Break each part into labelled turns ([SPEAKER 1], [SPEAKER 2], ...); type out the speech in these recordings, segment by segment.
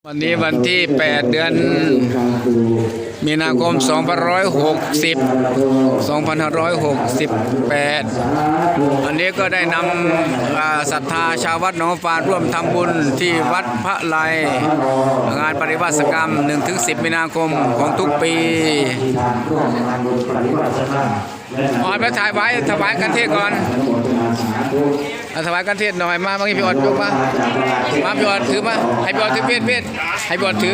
[SPEAKER 1] วันนี้วันที่ 8 เดือนมีนาคม 2568 วันนี้ก็ได้นำศรัทธาชาววัดหนองฟานร่วมทำบุญที่วัดพระไลงานปฏิวัติกรรม 1-10 มีนาคมของทุกปีไปถ่ายไว้ถวายกันเทศก่อนถวายกันเทศหน่อยมาเมื่อกี้พี่อดยกมาพี่อดถือมาให้พี่อดถือเวทให้พี่อดถือ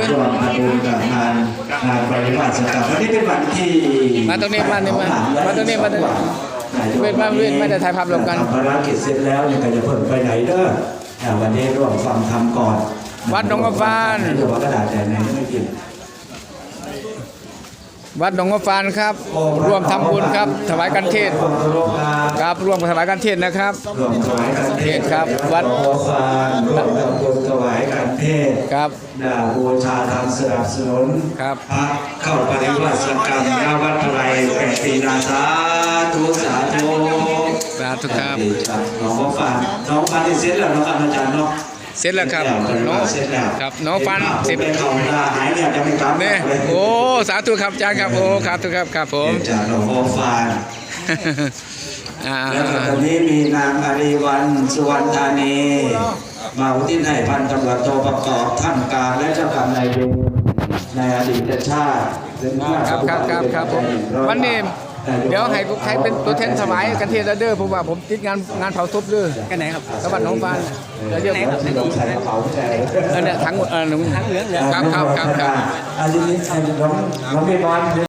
[SPEAKER 2] ปฏิบัติกรรมวันนี้เป็นวันที่
[SPEAKER 1] มาตรงนี้มาตรงนี้เวทไม่ได้ถ่ายภาพรวมกัน
[SPEAKER 2] ภารกิจเสร็จแล้วเนี่ยก็จะเพิ่มไปไหนเด้อวันนี้ร่วมฟังธรรมก่อน
[SPEAKER 1] วัดหนองฟาน
[SPEAKER 2] กระดาษแต่ไหนไม่กิน
[SPEAKER 1] วัดหนองฟานครับร่วมทำบุญครับถวายกันเทศครับร่วมถวายกันเทศนะครับ
[SPEAKER 2] ร่วมถวายกันเทศ
[SPEAKER 1] ครับวัด
[SPEAKER 2] หนองฟานร่วมทำบุญถวายกันเทศ
[SPEAKER 1] ครับ
[SPEAKER 2] บูชาธรรมสนับสนุน
[SPEAKER 1] ครับ
[SPEAKER 2] พระเข้าปฏิบัติกรรมณวัดพระไล8 ปีนาสาธุสาธุ
[SPEAKER 1] ครับ
[SPEAKER 2] หนองฟานที่เสร็จแล้วนะครับอาจารย์เนาะ
[SPEAKER 1] เสร็จแล้วครับน้องฟัน10
[SPEAKER 2] เขาหายเนี่ยจะไม่กลับ
[SPEAKER 1] เนี่ยโอ้สาธุครับอาจารย์ครับโอ้ครับทุกครับผม
[SPEAKER 2] จากหนองฟานแล้วตอนนี้มีนางอารีวรรณสุวรรณธานีมาอุทิศให้พันตำรวจโทประกอบท่านการและเจ้ากรรมนายเวรในอดีตชาติ
[SPEAKER 1] ครับผมวันนี้เดี๋ยวให้ใครเป็นตัวแทนถวายกันเทศเด้อผมว่าผมติดงานเผาศพเด้อ
[SPEAKER 3] กันไหนครับ
[SPEAKER 1] สวัสดิ์น้องฟานแล้วเดี๋ยวเนี่ยทั้งเหลืองครับ
[SPEAKER 2] อันนี้น้องไม่บอล